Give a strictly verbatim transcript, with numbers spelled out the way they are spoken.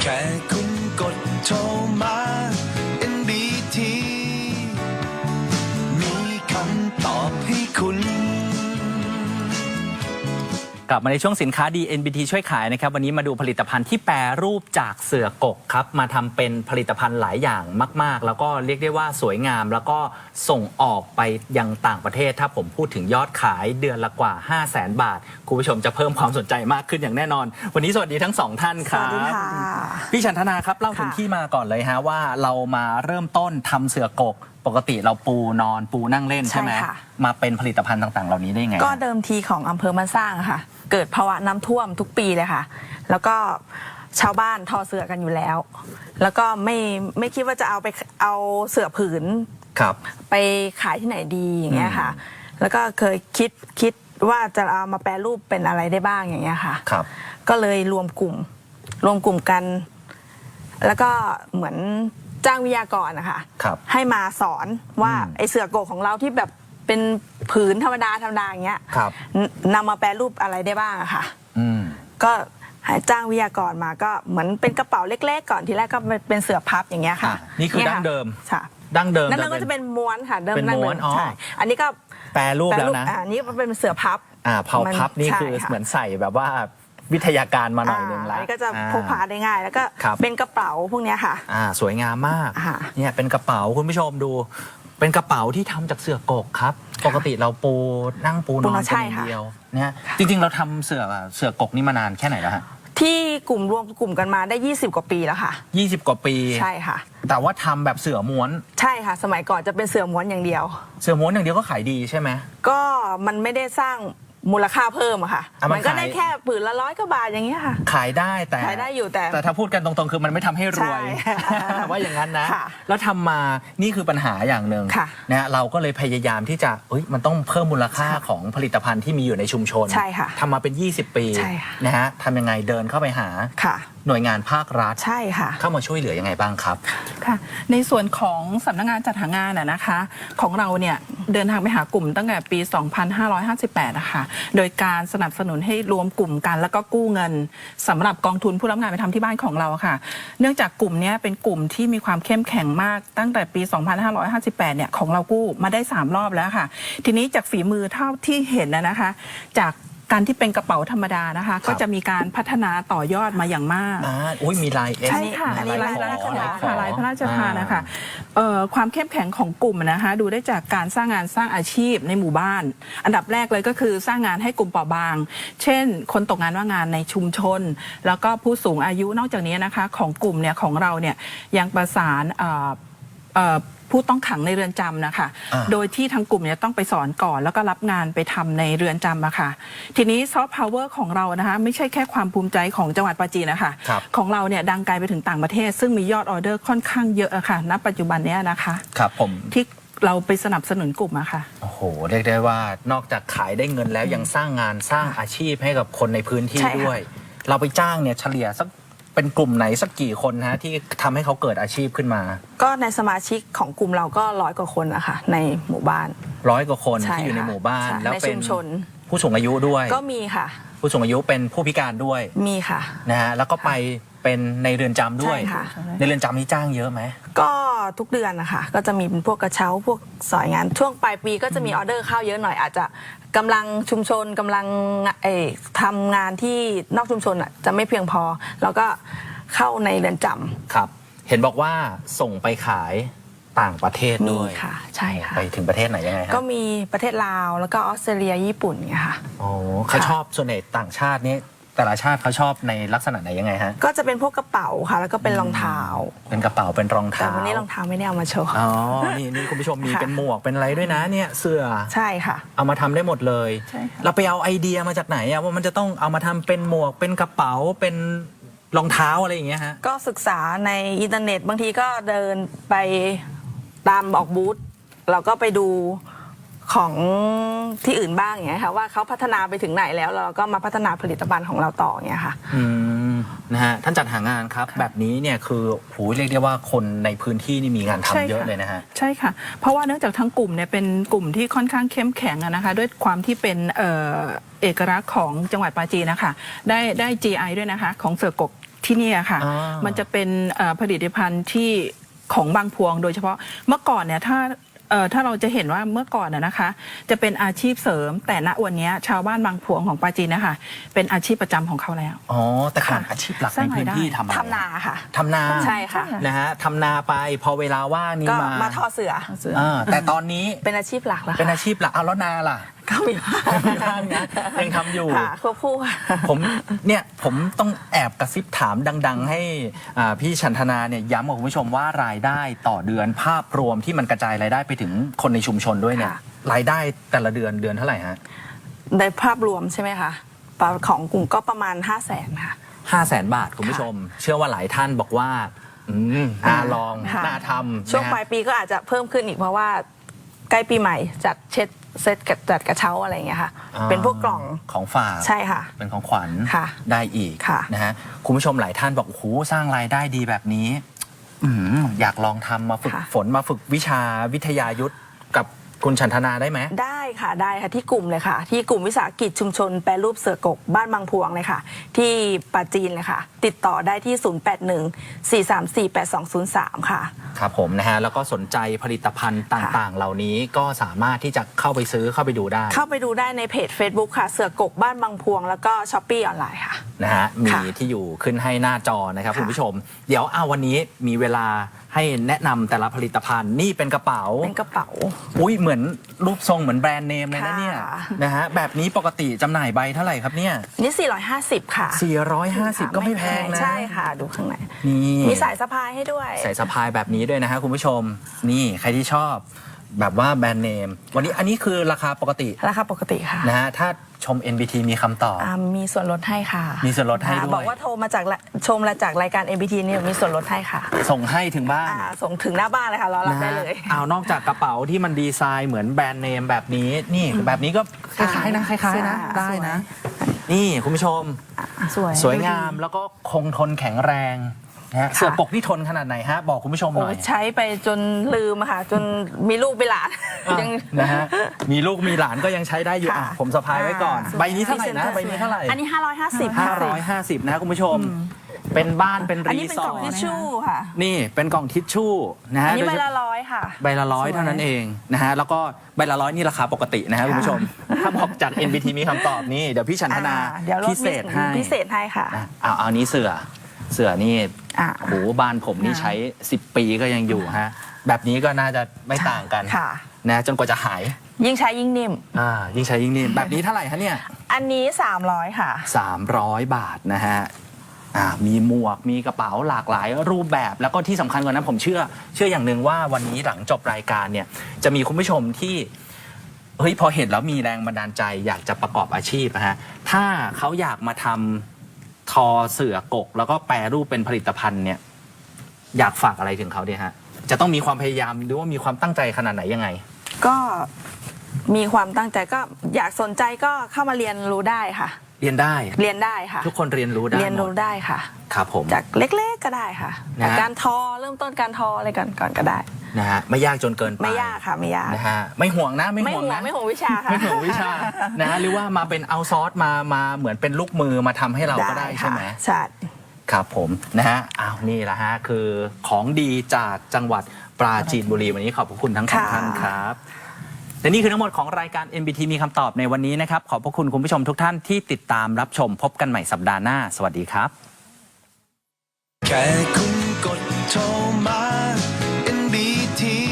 แค่คุณกดโทรมา เอ็น บี ที มีคำตอบให้คุณกลับมาในช่วงสินค้าดี เอ็น บี ที ช่วยขายนะครับวันนี้มาดูผลิตภัณฑ์ที่แปรรูปจากเสือกกครับมาทำเป็นผลิตภัณฑ์หลายอย่างมากๆแล้วก็เรียกได้ว่าสวยงามแล้วก็ส่งออกไปยังต่างประเทศถ้าผมพูดถึงยอดขายเดือนละกว่า ห้าแสน บาทคุณผู้ชมจะเพิ่มความสนใจมากขึ้นอย่างแน่นอนวันนี้สวัสดีทั้งสองท่านครับสวัสดีค่ะพี่ชันธนาครับเล่าถึงที่มาก่อนเลยฮะว่าเรามาเริ่มต้นทำเสือกกปกติเราปูนอนปูนั่งเล่นใช่ไหมใช่ค่ะมาเป็นผลิตภัณฑ์ต่างๆ เหล่านี้ได้ไงก็เดิมทีของอำเภอมันสร้างค่ะ เกิดภาวะน้ำท่วมทุกปีเลยค่ะ แล้วก็ชาวบ้านทอเสือกันอยู่แล้ว แล้วก็ไม่ไม่คิดว่าจะเอาไปเอาเสือผืนครับไปขายที่ไหนดีอย่างเงี้ยค่ะ แล้วก็เคยคิดคิดว่าจะเอามาแปรรูปเป็นอะไรได้บ้างอย่างเงี้ยค่ะครับก็เลยรวมกลุ่ม รวมกลุ่มกัน แล้วก็เหมือนจ้างวิทยากรนะคะครับให้มาสอนว่าอืมไอเสือโกกของเราที่แบบเป็นผืนธรรมดาธรรมดาอย่างเงี้ยครับนำมาแปรรูปอะไรได้บ้างอะค่ะอืมก็ให้จ้างวิทยากรมาก็เหมือนเป็นกระเป๋าเล็กๆก่อนทีแรกก็เป็นเสือพับอย่างเงี้ยค่ะอ่ะนี่คือดั้งเดิมค่ะดั้งเดิมนั่นก็จะเป็นม้วนค่ะเดิมเป็นนั่งม้เดิวนมอ๋อใช่อันนี้ก็แปรรูปแล้วนะอ่านี่เป็นเสือพับอ่าเผาพับนี่ใช่คือค่ะเหมือนใส่แบบว่าวิทยาการมาหน่อยหนึงอ่าแล้วอันนี้ก็จะอ่พกพาได้ง่าย แล้วก็ครับเป็นกระเป๋าพวกเนี้ยค่ะอ่าสวยงามมากค่ะเนี่ยเป็นกระเป๋าคุณผู้ชมดู เป็นกระเป๋าที่ทำจากเสือกกครับ ปกติเราปูนั่งปูนปูอนนอนเป็นใช่อย่างค่ะเดียวเนี่ยจริงๆเราทำเสือเสือกกนี่มานานแค่ไหนแล้วฮะที่กลุ่มรวมกลุ่มกันมาได้ยี่สิบกว่าปีแล้วค่ะยี่สิบกว่าปีใช่ค่ะแต่ว่าทำแบบเสือม้วนใช่ค่ะ สมัยก่อนจะเป็นเสือม้วนอย่างเดียวเสือม้วนอย่างเดียวก็ขายดีใช่ไหมก็มันไม่ได้สร้างมูลค่าเพิ่มอะค่ะอ่ะมันมันก็ได้ขายแค่ผืนละร้อยกว่าบาทอย่างเงี้ยค่ะขายได้แต่ขายได้อยู่แต่แต่ถ้าพูดกันตรงๆ คือมันไม่ทำให้รวยใช่ว่าอย่างนั้นนะค่ะแล้วทำมานี่คือปัญหาอย่างหนึ่งค่ะนะฮะเราก็เลยพยายามที่จะเอ้ยมันต้องเพิ่มมูลค่าของผลิตภัณฑ์ที่มีอยู่ในชุมชนใช่ค่ะทำมาเป็น ยี่สิบ ปีใช่ค่ะนะฮะทำยังไงเดินเข้าไปหาค่ะหน่วยงานภาครัฐใช่ค่ะเข้ามาช่วยเหลือยังไงบ้างครับค่ะในส่วนของสำนักงานจัดหางานอะนะคะของเราเนี่ยเดินทางไปหากลุ่มตั้งแต่ปี สองพันห้าร้อยห้าสิบแปด นะคะโดยการสนับสนุนให้รวมกลุ่มกันแล้วก็กู้เงินสำหรับกองทุนผู้รับงานไปทำที่บ้านของเราค่ะ เนื่องจากกลุ่มนี้เป็นกลุ่มที่มีความเข้มแข็งมากตั้งแต่ปี สองพันห้าร้อยห้าสิบแปด เนี่ยของเรากู้มาได้สามรอบแล้วค่ะ ทีนี้จากฝีมือเท่าที่เห็นนะนะคะจากการที่เป็นกระเป๋าธรรมดานะคะ ก็จะมีการพัฒนาต่อยอดมาอย่างมากอ่าอุ้ยมีลายเอสใช่ค่ะอันนี้ลายพระราชขอทานขอค่ะลายพระราชทานนะคะเอ่อความเข้มแข็งของกลุ่มนะคะดูได้จากการสร้างงานสร้างอาชีพในหมู่บ้าน อันดับแรกเลยก็คือสร้างงานให้กลุ่มเปราะบาง เช่น คนตกงานว่างงานในชุมชน แล้วก็ผู้สูงอายุนอกจากนี้นะคะของกลุ่มเนี่ยของเราเนี่ยยังประสานเอ่อเอ่อผู้ต้องขังในเรือนจำนะคะอ่าโดยที่ทางกลุ่มเนี่ยต้องไปสอนก่อน แล้วก็รับงานไปทำในเรือนจำอะค่ะทีนี้ซอฟต์พาวเวอร์ของเรานะคะไม่ใช่แค่ความภูมิใจของจังหวัดปราจีนนะคะครับของเราเนี่ยดังไกลไปถึงต่างประเทศ ซึ่งมียอดออเดอร์ค่อนข้างเยอะอะค่ะณปัจจุบันเนี้ยนะคะครับผมที่เราไปสนับสนุนกลุ่มอะค่ะโอ้โหเรียกได้ว่านอกจากขายได้เงินแล้วยังสร้างงานสร้างอาชีพให้กับคนในพื้นที่ใช่ค่ะด้วย เราไปจ้างเนี่ยเฉลี่ยสักเป็นกลุ่มไหนสักกี่คนฮะที่ทำให้เขาเกิดอาชีพขึ้นมาก็ในสมาชิกของกลุ่มเราก็ร้อยกว่าคนนะคะในหมู่บ้านร้อยกว่าคนใช่ที่อยู่ในค่ะหมู่บ้านใช่แล้วในเป็ชุนมชนผู้สูงอายุด้วยก็มีค่ะผู้สูงอายุเป็นผู้พิการด้วยมีค่ะนะฮะแล้วก็ไปเป็นในเรือนจำด้วยใช่ค่ะในเรือนจำนี่จ้างเยอะไหมก็ทุกเดือนนะคะก็จะมีเป็นพวกกระเช้าพวกสอยงาน ช่วงปลายปีก็จะมีออเดอร์เข้าเยอะหน่อยอาจจะกำลังชุมชนกำลังเอ่อทำงานที่นอกชุมชนอ่ะจะไม่เพียงพอแล้วก็เข้าในเรือนจำครับ เห็นบอกว่าส่งไปขายต่างประเทศมีด้วยค่ะใช่ค่ะไปถึงประเทศไหนยังไงฮะก็มีประเทศลาวแล้วก็ออสเตรเลียญี่ปุ่นเนี่ยค่ะโอ้เขาชอบส่วนใหญ่ต่างชาตินี่แต่ละชาติเขาชอบในลักษณะไหนยังไงฮะก็จะเป็นพวกกระเป๋าค่ะ แล้วก็เป็นรองเท้าเป็นกระเป๋าเป็นรองแต่เท้าวันนี้รองเท้าไม่ได้เอามาโชว์อ๋อนี่นี่คุณผู้ชมมีค่ะเป็นหมวกเป็นอะไรด้วยนะเนี่ยเสื้อใช่ค่ะเอามาทำได้หมดเลยใช่ค่ะเราไปเอาไอเดียมาจากไหนอะว่ามันจะต้องเอามาทำเป็นหมวกเป็นกระเป๋าเป็นรองเท้าอะไรอย่างเงี้ยฮะก็ศึกษาในอินเทอร์เน็ตบางทีก็เดินไปตามออกบูธเราก็ไปดูของที่อื่นบ้างอย่างเงี้ยค่ะว่าเขาพัฒนาไปถึงไหนแล้วเราก็มาพัฒนาผลิตภัณฑ์ของเราต่ออย่างเงี้ยค่ะอืมนะฮะท่านจัดหางานครับแบบนี้เนี่ยคือโหเรียกได้ว่าคนในพื้นที่นี่มีงานทำใช่ค่ะเยอะเลยนะฮะใช่ค่ะ เพราะว่าเนื่องจากทั้งกลุ่มเนี่ยเป็นกลุ่มที่ค่อนข้างเข้มแข็งอะนะคะด้วยความที่เป็นเอ่อเอกลักษณ์ของจังหวัดปราจีนนะคะได้ได้ จี ไอ ด้วยนะคะของเสือกกที่นี่อะค่ะอ่ามัมันจะเป็นเอ่อผลิตภัณฑ์ที่ของบางพวงโดยเฉพาะเมื่อก่อนเนี่ยถ้าเอ่อถ้าเราจะเห็นว่าเมื่อก่อนน่ะนะคะ จะเป็นอาชีพเสริม แต่ณวันนี้ชาวบ้านบางพวงของปราจีนนะคะเป็นอาชีพประจำของเขาแล้วอ๋อแต่ก่อนค่ะอาชีพหลักสร้าในงพื้นรายได้ที่ทำอะไรทำนาค่ะทำนาใช่ค่ะนะฮะทำนาไปพอเวลาว่างนี่ก็มามาทอเสืออ่าแต่ตอนนี้เป็นอาชีพหลักแล้วเป็นค่ะอาชีพหลักเอาแล้วนาล่ะก็มีบ้างมีบ้างนะยังทำอยู่ค่ะควบคู่ค่ะผมเนี่ยผมต้องแอบกระซิบถามดัง ๆ ให้อ่าพี่ชันธนาเนี่ยย้ำกับคุณผู้ชมว่ารายได้ต่อเดือนภาพรวมที่มันกระจายรายได้ไปถึงคนในชุมชนด้วยเนี่ยค่ะรายได้แต่ละเดือนเดือนเท่าไหร่ฮะในภาพรวมใช่ไหมคะของกลุ่มก็ประมาณ ห้าแสนค่ะห้าแสนบาทคุณผู้ชม เชื่อว่าหลายท่านบอกว่าอืมน่าลองค่ะน่าทำช่วงนะฮะปลายปีก็อาจจะเพิ่มขึ้นอีกเพราะว่าใกล้ปีใหม่จัดเช็ดเซตกับจัดกระเช้าอะไรอย่างเงี้ยค่ะอ่าเป็นพวกกล่องของฝากใช่ค่ะเป็นของขวัญค่ะได้อีกค่ะนะฮะคุณผู้ชมหลายท่านบอกโอ้โหสร้างรายได้ดีแบบนี้อืมอยากลองทำมาฝึกค่ะฝนมาฝึกวิชาวิทยายุทธกับคุณชันธนาได้ไหมได้ค่ะได้ค่ะที่กลุ่มเลยค่ะ ที่กลุ่มวิสาหกิจชุมชนแปรรูปเสือกกบ้านบางพวงเลยค่ะ ที่ปราจีนเลยค่ะ ติดต่อได้ที่ ศูนย์ แปด หนึ่ง สี่ สาม สี่ แปด สอง ศูนย์ สาม ค่ะครับผมนะฮะแล้วก็สนใจผลิตภัณฑ์ต่างๆ เหล่านี้ก็สามารถที่จะเข้าไปซื้อเข้าไปดูได้เข้าไปดูได้ในเพจ Facebook ค่ะ เสือกกบ้านบางพวง แล้วก็ช้อปปี้ออนไลน์ค่ะนะฮะมีค่ะที่อยู่ขึ้นให้หน้าจอนะครับค่ะคุณผู้ชม เดี๋ยวเอาวันนี้มีเวลาให้แนะนำแต่ละผลิตภัณฑ์นี่เป็นกระเป๋าเป็นกระเป๋าอุ้ยเหมือนรูปทรงเหมือนแบรนด์เนมเลยนะค่ะเนี่ยนะฮะแบบนี้ปกติจำหน่ายใบเท่าไหร่ครับเนี่ยนี่ สี่ร้อยห้าสิบ ค่ะสี่ร้อยห้าสิบก็ไม่แพงนะใช่ค่ะ ดูข้างในนี่มีสายสะพายให้ด้วยใส่สะพายแบบนี้ด้วยนะฮะคุณผู้ชมนี่ใครที่ชอบแบบว่าแบรนด์เนมวันนี้อันนี้คือราคาปกติราคาปกติค่ะนะฮะถ้าชม เอ็น บี ที มีคำตอบอ่ามีส่วนลดให้ค่ะมีส่วนลดให้ด้วยบอกว่าโทรมาจากละชมมาจากรายการ เอ็ม บี ที เนี่ยมีส่วนลดให้ค่ะส่งให้ถึงบ้านอ่าส่งถึงหน้าบ้านเลยค่ะรอรับได้เลยนะฮะเอานอกจากกระเป๋าที่มันดีไซน์เหมือนแบรนด์เนมแบบนี้นี่แบบนี้ก็คล้ายๆนะคล้ายๆนะใช่ได้นะ นี่คุณผู้ชมสวยสวยงามแล้วก็คงทนแข็งแรงนะฮะเสือปกนี่ทนขนาดไหนฮะบอกคุณผู้ชมหโอ้น่อยใช้ไปจนลืมอะค่ะ จนมีลูกไปหลานอ่ะยังนะฮะมีลูกมีหลานก็ยังใช้ได้อยู่ค่ะอ่ะผมสะพายไว้ก่อนอ่าใบนี้เท่าไหร่นะใบนี้เท่าไหร่อันนี้ ห้าร้อยห้าสิบห้าร้อยห้าสิบนะคุณผู้ชม เป็นบ้านเป็นอันรีนี้เป็นสกอล่องร์ทิชทชู่ค่ะนี่เป็นกล่องทิชชู่นะอัฮะนนี้โดใบยเฉละพาะร้อยค่ะใบละร้อยสวยเท่านั้นเองนะฮะแล้วก็ใบละร้อยนี่ราคาปกตินะฮะคุณผู้ชม ถ้าบอกจาก เอ็น บี ที มีคำตอบนี่เดี๋ยวพี่ชันธนาอ่าเดี๋ยวลดพิเศษให้พิเศษให้ค่ะอ่ะเอาเอานี้เสือเสือนี่อ่าโหบ้านผมนี่ใช้สิบปีก็ยังอยู่ฮะแบบนี้ก็น่าจะไม่ต่างกันค่ะนะจนกว่าจะหายยิ่งใช้ยิ่งนิ่มอ่ายิ่งใช้ยิ่งนิ่มแบบนี้เท่าไหร่ฮะเนี่ยอันนี้ สามร้อย ค่ะสามร้อยบาทนะฮะอ่ามีหมวกมีกระเป๋าหลากหลายรูปแบบแล้วก็ที่สำคัญกว่านั้นผมเชื่อ เชื่ออย่างหนึ่งว่าวันนี้หลังจบรายการเนี่ยจะมีคุณผู้ชมที่เฮ้ยพอเห็นแล้วมีแรงบันดาลใจอยากจะประกอบอาชีพนะฮะถ้าเขาอยากมาทำทอเสือกก แล้วก็แปรรูปเป็นผลิตภัณฑ์เนี่ยอยากฝากอะไรถึงเขาดีฮะจะต้องมีความพยายามหรือว่ามีความตั้งใจขนาดไหนยังไงก็มีความตั้งใจก็อยากสนใจก็เข้ามาเรียนรู้ได้ค่ะเรียนได้เรียนได้ค่ะทุกคนเรียนรู้ได้เรียนหมรู้ดได้ค่ะครับผมจากเล็กๆก็ได้ค่ะนะฮะจากการทอเริ่มต้นการทออะไรก่อนก่อนก็ได้นะฮะไม่ยากจนเกินไปไม่ยากค่ะไม่ยากนะฮะไม่ห่วงนะไม่ไม่ห่วงห่วงนะไม่ห่วงวิชาค่ะไม่ห่วงวิชา นะฮะหรือว่ามาเป็นเอาซอร์สมามาเหมือนเป็นลูกมือมาทำให้เราก็ได้ใช่ไหมใช่ครับผมนะฮะอ้าวนี่แหละฮะคือของดีจากจังหวัดปราจีนบุรีวันนี้ขอบพระคุณทั้งสองค่ะท่านครับและนี่คือทั้งหมดของรายการ เอ็น บี ที มีคำตอบในวันนี้นะครับขอบพระคุณคุณผู้ชมทุกท่านที่ติดตามรับชมพบกันใหม่สัปดาห์หน้าสวัสดีครับแค่คุณกดโทรมา เอ็น บี ที